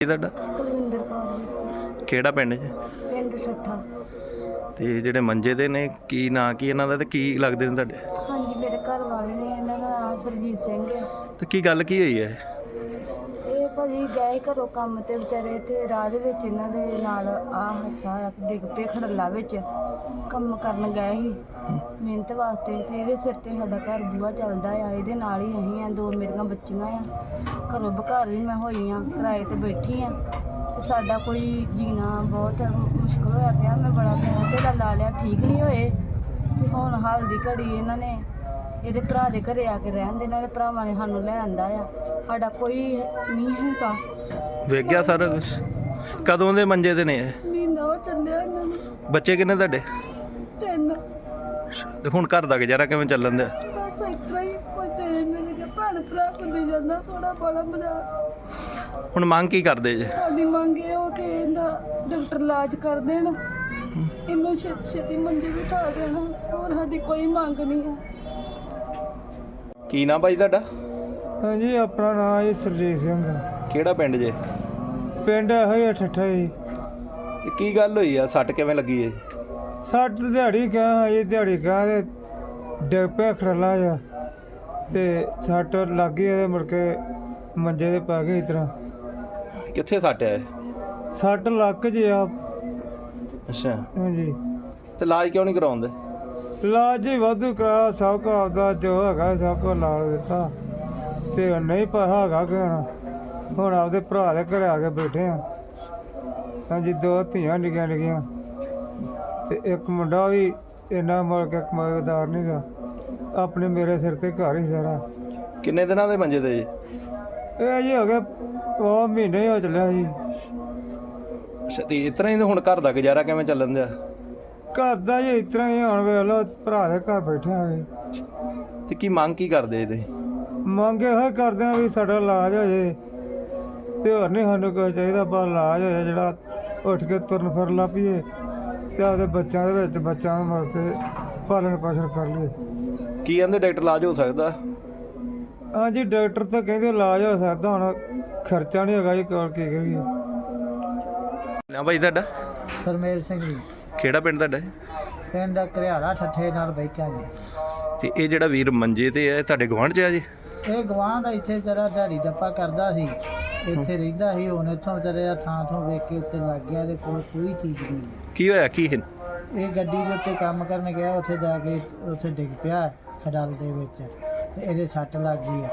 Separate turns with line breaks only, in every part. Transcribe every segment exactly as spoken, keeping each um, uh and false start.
ਤੁਹਾਡਾ
ਕੁਲਵਿੰਦਰ ਕੌਰ ਜੀ,
ਕਿਹੜਾ ਪਿੰਡ ਜੀ?
ਪਿੰਡ ਸੱਠਾ।
ਤੇ ਜਿਹੜੇ ਮੰਜੇ ਦੇ ਨੇ ਕੀ ਨਾਂ ਕੀ ਇਹਨਾਂ ਦਾ ਤੇ ਕੀ ਲੱਗਦੇ ਨੇ ਤੁਹਾਡੇ?
ਹਾਂਜੀ, ਮੇਰੇ ਘਰ ਵਾਲੇ ਨੇ, ਇਹਨਾਂ ਦਾ ਨਾਮ ਸਰਜੀਤ ਸਿੰਘ ਹੈ।
ਤੇ ਕੀ ਗੱਲ ਕੀ ਹੋਈ ਹੈ?
ਇਹ ਭਾਜੀ ਗਏ ਘਰੋਂ ਕੰਮ ਤੇ ਵਿਚਾਰੇ, ਤੇ ਰਾਹ ਦੇ ਵਿੱਚ ਇਹਨਾਂ ਦੇ ਨਾਲ ਆਹ ਹਾਦਸਾ ਡਿੱਗ ਪਏ ਖੜੱਲਾ ਵਿੱਚ। ਕੰਮ ਕਰਨ ਗਏ ਸੀ ਮਿਹਨਤ ਵਾਸਤੇ, ਤੇ ਇਹਦੇ ਸਿਰ ਤੇ ਸਾਡਾ ਘਰ ਬੂਹਾ ਚੱਲਦਾ ਆ, ਇਹਦੇ ਨਾਲ ਹੀ ਅਸੀਂ ਆ। ਦੋ ਮੇਰੀਆਂ ਬੱਚੀਆਂ ਆ, ਘਰੋਂ ਬਘਰ ਵੀ ਮੈਂ ਹੋਈ ਆ, ਕਿਰਾਏ ਤੇ ਬੈਠੀ ਆ, ਤੇ ਸਾਡਾ ਕੋਈ ਜੀਣਾ ਬਹੁਤ ਮੁਸ਼ਕਿਲ ਹੋਇਆ ਪਿਆ। ਮੈਂ ਬੜਾ ਪੈਸਾ ਧੇਲਾ ਲਾ ਲਿਆ, ਠੀਕ ਨਹੀਂ ਹੋਏ। ਤੇ ਹੁਣ ਹਾਲ ਦੀ ਘੜੀ ਇਹਨਾਂ ਨੇ ਇਹਦੇ ਭਰਾ ਦੇ ਘਰੇ ਆ ਕੇ ਰਹਿਣ ਦੇ, ਇਹਨਾਂ ਦੇ ਭਰਾਵਾਂ ਨੇ ਸਾਨੂੰ ਲੈ ਆਂਦਾ ਆ। ਸਾਡਾ ਕੋਈ ਨਹੀਂ ਹੈਗਾ।
ਵੇਖ ਗਿਆ ਸਾਰਾ ਕੁਝ? ਕਦੋਂ ਦੇ ਮੰਜੇ ਤੇ ਨੇ ਇਹ?
ਮਹੀਨਾ ਹੋ ਚੱਲਿਆ ਇਹਨਾਂ ਨੂੰ।
ਬੱਚੇ ਕਿੰਨੇ ਤੁਹਾਡੇ?
ਤਿੰਨ।
ਤੇ ਹੁਣ ਘਰ ਦਾ ਗੁਜ਼ਾਰਾ ਕਿਵੇਂ ਚੱਲਣ ਦਿਆ?
ਬਸ ਇਸ ਤਰ੍ਹਾਂ ਹੀ ਕੋਈ ਤੇਰੇ ਮੇਰੇ ਕੇ ਭੈਣ ਭਰਾ ਹੁੰਦੇ ਜਾਂਦਾ, ਥੋੜਾ ਬੜਾ ਮਜ਼ਾ।
ਹੁਣ ਮੰਗ ਕੀ ਕਰਦੇ ਜੇ?
ਸਾਡੀ ਮੰਗ ਇਹ ਹੋ ਕਿ ਇਹਦਾ ਡਾਕਟਰ ਇਲਾਜ ਕਰ ਦੇਣ, ਇਹਨੂੰ ਛੇਤੀ ਛੇਤੀ ਮੰਜੇ ਤੇ ਉਠਾ ਦੇਣ, ਹੋਰ ਸਾਡੀ ਕੋਈ ਮੰਗ ਨਹੀਂ ਹੈ।
ਕੀ ਨਾਂ ਭਾਈ ਤੁਹਾਡਾ?
ਹਾਂਜੀ, ਆਪਣਾ ਨਾਮ ਜੀ ਸਰਜੀਤ ਸਿੰਘ।
ਕਿਹੜਾ ਪਿੰਡ ਜੇ?
ਪਿੰਡ ਇਹੋ ਹੀ ਠੱਠਾ ਜੀ।
ਤੇ ਕੀ ਗੱਲ ਹੋਈ ਆ? ਸੱਟ ਕਿਵੇਂ ਲੱਗੀ ਹੈ?
ਸੱਟ ਦਿਹਾੜੀ ਗਿਆ ਜੀ, ਦਿਹਾੜੀ ਗਿਆ ਤੇ ਡਿੱਗ ਪਿਆ ਖੜਲਾ ਜਾ, ਤੇ ਸੱਟ ਲੱਗ ਗਈ ਇਹਦੇ, ਮੁੜ ਕੇ ਮੰਜੇ 'ਤੇ ਪੈ ਗਏ। ਇਸ ਤਰ੍ਹਾਂ
ਕਿੱਥੇ ਸੱਟ ਹੈ?
ਸੱਟ ਲੱਕ ਜੇ ਆ।
ਅੱਛਾ,
ਹਾਂਜੀ।
ਤੇ ਇਲਾਜ ਕਿਉਂ ਨਹੀਂ ਕਰਾਉਂਦੇ?
ਇਲਾਜ ਹੀ ਵਾਧੂ ਕਰਾ, ਸਭ ਕੁਝ ਆਪਦਾ ਜੋ ਹੈਗਾ ਸਭ ਕੁਝ ਲਾ ਦਿੱਤਾ, ਤੇ ਨਹੀਂ ਪੈਸਾ ਹੈਗਾ ਕਿ ਹੁਣ ਹੁਣ ਆਪਦੇ ਭਰਾ ਦੇ ਘਰੇ ਆ ਕੇ ਬੈਠੇ ਆ। ਹਾਂਜੀ, ਦੋ ਧੀਆਂ ਨਿੱਕੀਆਂ ਨਿੱਕੀਆਂ, ਤੇ ਇੱਕ ਮੁੰਡਾ ਵੀ ਇੰਨਾ ਮੁੜ ਕੇ ਕਮਾਈਦਾਰ ਨਹੀਂ ਗਾ, ਆਪਣੇ ਮੇਰੇ ਸਿਰ ਤੇ ਘਰ ਹੀ ਸਾਰਾ।
ਕਿੰਨੇ ਦਿਨਾਂ ਦੇ ਮੰਜੇ ਤੇ ਜੀ?
ਇਹ ਜੀ ਹੋ ਗਿਆ ਉਹ ਮਹੀਨੇ ਹੋ ਚੱਲਿਆ ਜੀ।
ਅੱਛਾ, ਤੇ ਇਸ ਤਰ੍ਹਾਂ ਹੀ ਹੁਣ ਘਰ ਦਾ ਗੁਜ਼ਾਰਾ ਕਿਵੇਂ ਚੱਲਣ ਦਿਆ?
ਘਰ ਦਾ ਜੀ ਇਸ ਤਰ੍ਹਾਂ ਹੀ, ਹੁਣ ਵੇਖ ਲਓ ਭਰਾ ਦੇ ਘਰ ਬੈਠੇ ਆ ਜੀ।
ਤੇ ਕੀ ਮੰਗ ਕੀ ਕਰਦੇ ਤੁਸੀਂ?
ਮੰਗ ਇਹੋ ਹੀ ਕਰਦੇ ਆ ਵੀ ਸਾਡਾ ਇਲਾਜ ਹੋ ਜੇ, ਤੇ ਹੋਰ ਨਹੀਂ ਸਾਨੂੰ ਕੋਈ ਚਾਹੀਦਾ, ਬਸ ਇਲਾਜ ਹੋ ਜਾਏ ਜਿਹੜਾ ਉੱਠ ਕੇ ਤੁਰਨ ਫਿਰਨ ਲੱਗ ਪਈਏ, ਤੇ ਆਪਦੇ ਬੱਚਿਆਂ ਦੇ ਵਿੱਚ ਬੱਚਿਆਂ ਨੂੰ ਮੁੜ ਕੇ ਪਾਲਣ ਪੋਸ਼ਣ ਕਰ ਲਈਏ।
ਕੀ ਕਹਿੰਦੇ ਡਾਕਟਰ ਇਲਾਜ ਹੋ ਸਕਦਾ?
ਹਾਂਜੀ, ਡਾਕਟਰ ਤਾਂ ਕਹਿੰਦੇ ਇਲਾਜ ਹੋ ਸਕਦਾ, ਹੁਣ ਖਰਚਾ ਨਹੀਂ ਹੈਗਾ ਜੀ ਕੋਲ, ਕੀ ਕਰੀਏ।
ਨਾ ਭਾਈ ਤੁਹਾਡਾ?
ਸਰਮੇਲ ਸਿੰਘ ਜੀ,
ਕਿਹੜਾ ਪਿੰਡ ਤੁਹਾਡਾ?
ਪਿੰਡ ਘਰਿਆਲਾ ਠੱਠੇ ਨਾਲ ਬੈਠਾ ਜੀ।
ਤੇ ਇਹ ਜਿਹੜਾ ਵੀਰ ਮੰਜੇ ਤੇ ਹੈ ਤੁਹਾਡੇ ਗੁਆਂਢ 'ਚ ਆ ਜੀ?
ਇਹ ਗਵਾਂਢ ਇੱਥੇ ਜਰਾ ਦਿਹਾੜੀ ਦੱਪਾ ਕਰਦਾ ਸੀ, ਇੱਥੇ ਰਹਿੰਦਾ ਸੀ। ਹੁਣ ਇੱਥੋਂ ਵਿਚਾਰੇ ਦਾ ਥਾਂ ਥੋਂ ਵੇਖ ਕੇ ਉੱਤੇ ਲੱਗ ਗਿਆ, ਇਹਦੇ ਕੋਲ ਕੋਈ ਚੀਜ਼ ਨਹੀਂ।
ਕੀ ਹੋਇਆ ਕੀ ਹੈ?
ਇਹ ਗੱਡੀ ਦੇ ਉੱਤੇ ਕੰਮ ਕਰਨ ਗਿਆ, ਉੱਥੇ ਜਾ ਕੇ ਉੱਥੇ ਡਿੱਗ ਪਿਆ ਖਡਾਲ ਦੇ ਵਿੱਚ, ਤੇ ਇਹਦੇ ਸੱਟ ਲੱਗ ਗਈ ਆ।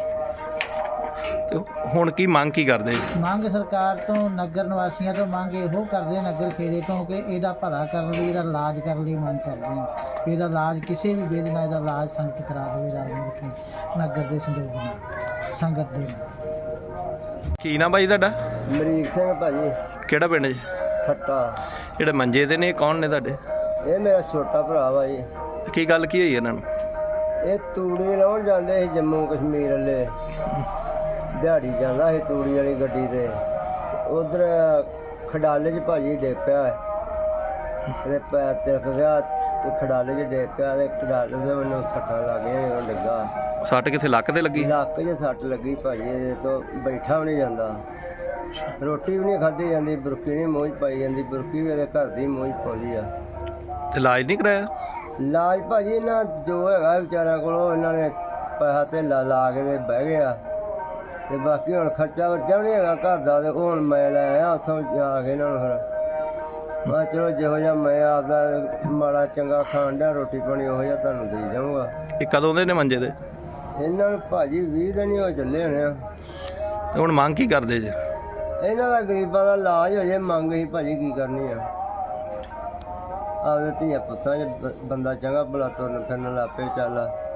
ਤੇ ਹੁਣ ਕੀ ਮੰਗ ਕੀ ਕਰਦੇ?
ਮੰਗ ਸਰਕਾਰ ਤੋਂ, ਨਗਰ ਨਿਵਾਸੀਆਂ ਤੋਂ ਮੰਗ ਇਹੋ ਕਰਦੇ, ਨਗਰ ਖੇੜੇ ਤੋਂ, ਕਿ ਇਹਦਾ ਭਲਾ ਕਰਨ ਲਈ, ਇਹਦਾ ਇਲਾਜ ਕਰਨ ਲਈ ਮੰਗ ਕਰਦੇ ਹਾਂ। ਇਹਦਾ ਇਲਾਜ ਕਿਸੇ ਵੀ ਵੇਲੇ ਨਾਲ ਇਹਦਾ ਇਲਾਜ ਸੰਗਤ ਕਰਾ ਦੇਵੇ, ਰਲ ਮਿਲ ਕੇ ਨਗਰ ਦੇ ਸੰਯੋਗ ਨਾਲ, ਸੰਗਤ ਦੇ ਨਾਲ।
ਕੀ ਨਾ ਭਾਈ ਤੁਹਾਡਾ?
ਅਮਰੀਕ ਸਿੰਘ ਭਾਜੀ,
ਕਿਹੜਾ ਪਿੰਡ ਜੀ?
ਖੱਟਾ।
ਜਿਹੜੇ ਮੰਜੇ ਤੇ ਨੇ ਕੌਣ ਨੇ ਤੁਹਾਡੇ?
ਇਹ ਮੇਰਾ ਛੋਟਾ ਭਰਾ ਵਾ ਜੀ।
ਤੇ ਕੀ ਗੱਲ ਕੀ ਹੋਈ ਇਹਨਾਂ ਨੂੰ?
ਇਹ ਤੂੜੀ ਲਾਉਣ ਜਾਂਦੇ ਸੀ ਜੰਮੂ ਕਸ਼ਮੀਰ ਵਾਲੇ, ਦਿਹਾੜੀ ਜਾਂਦਾ ਸੀ ਤੂੜੀ ਵਾਲੀ ਗੱਡੀ ਤੇ, ਉਧਰ ਖਡਾਲੇ 'ਚ ਭਾਜੀ ਡਿੱਗ ਪਿਆ, ਇਹਦੇ ਪੈਰ ਤਿਲਕ ਗਿਆ, ਤੇ ਖਡਾਲੇ 'ਚ ਡਿੱਗ ਪਿਆ, ਤੇ ਖਡਾਲੇ ਦੇ ਮੈਨੂੰ ਸੱਟਾਂ ਲੱਗ ਗਈਆਂ ਜਦੋਂ ਡਿੱਗਾ।
ਸੱਟ ਕਿੱਥੇ ਲੱਕ ਤੇ ਲੱਗੀ?
ਲੱਕ 'ਚ ਸੱਟ ਲੱਗੀ ਭਾਜੀ, ਇਹਦੇ ਤੋਂ ਬੈਠਾ ਵੀ ਨਹੀਂ ਜਾਂਦਾ, ਰੋਟੀ ਵੀ ਨਹੀਂ ਖਾਧੀ ਜਾਂਦੀ, ਬੁਰਕੀ ਨਹੀਂ ਮੂੰਹ 'ਚ ਪਾਈ ਜਾਂਦੀ, ਬੁਰਕੀ ਵੀ ਇਹਦੇ ਘਰ ਦੀ ਮੂੰਹ 'ਚ ਪਾਉਂਦੀ ਆ।
ਤੇ ਇਲਾਜ ਨਹੀਂ ਕਰਾਇਆ?
ਇਲਾਜ ਭਾਜੀ ਇਹਨਾਂ ਜੋ ਹੈਗਾ ਵਿਚਾਰਿਆਂ ਕੋਲੋਂ ਇਹਨਾਂ ਨੇ ਪੈਸਾ ਧੇਲਾ ਲਾ ਕੇ ਤੇ ਬਹਿ ਗਿਆ, ਤੇ ਬਾਕੀ ਹੁਣ ਖਰਚਾ ਵਰਚਾ ਵੀ ਨਹੀਂ ਹੈਗਾ ਘਰ ਦਾ, ਤੇ ਹੁਣ ਮੈਂ ਲੈ ਆਇਆ ਉੱਥੋਂ ਜਾ ਕੇ ਇਹਨਾਂ ਨੂੰ। ਫਿਰ ਮੈਂ ਚਲੋ ਜਿਹੋ ਜਿਹਾ ਮੈਂ ਆਪਦਾ ਮਾੜਾ ਚੰਗਾ ਖਾਣ ਡਿਆ, ਰੋਟੀ ਪਾਣੀ ਉਹੋ ਜਿਹਾ ਤੁਹਾਨੂੰ ਦੇ ਜਾਊਂਗਾ।
ਇਹ ਕਦੋਂ ਦੇ ਨੇ ਮੰਜੇ ਤੇ?
ਇਹਨਾਂ ਨੂੰ ਭਾਜੀ ਵੀਹ ਦਿਨ ਹੀ ਹੋ ਚੱਲੇ ਹੋਣੇ ਆ।
ਤੇ ਹੁਣ ਮੰਗ ਕੀ ਕਰਦੇ ਜੇ?
ਇਹਨਾਂ ਦਾ ਗਰੀਬਾਂ ਦਾ ਇਲਾਜ ਹੋ ਜੇ, ਮੰਗ ਹੀ ਭਾਜੀ ਕੀ ਕਰਨੀ ਆ। ਆਪਦੇ ਧੀਆਂ ਪੁੱਤਾਂ 'ਚ ਬ- ਬੰਦਾ ਚੰਗਾ ਭਲਾ ਤੁਰਨ ਫਿਰਨ ਲੱਗ ਪਏ, ਚੱਲ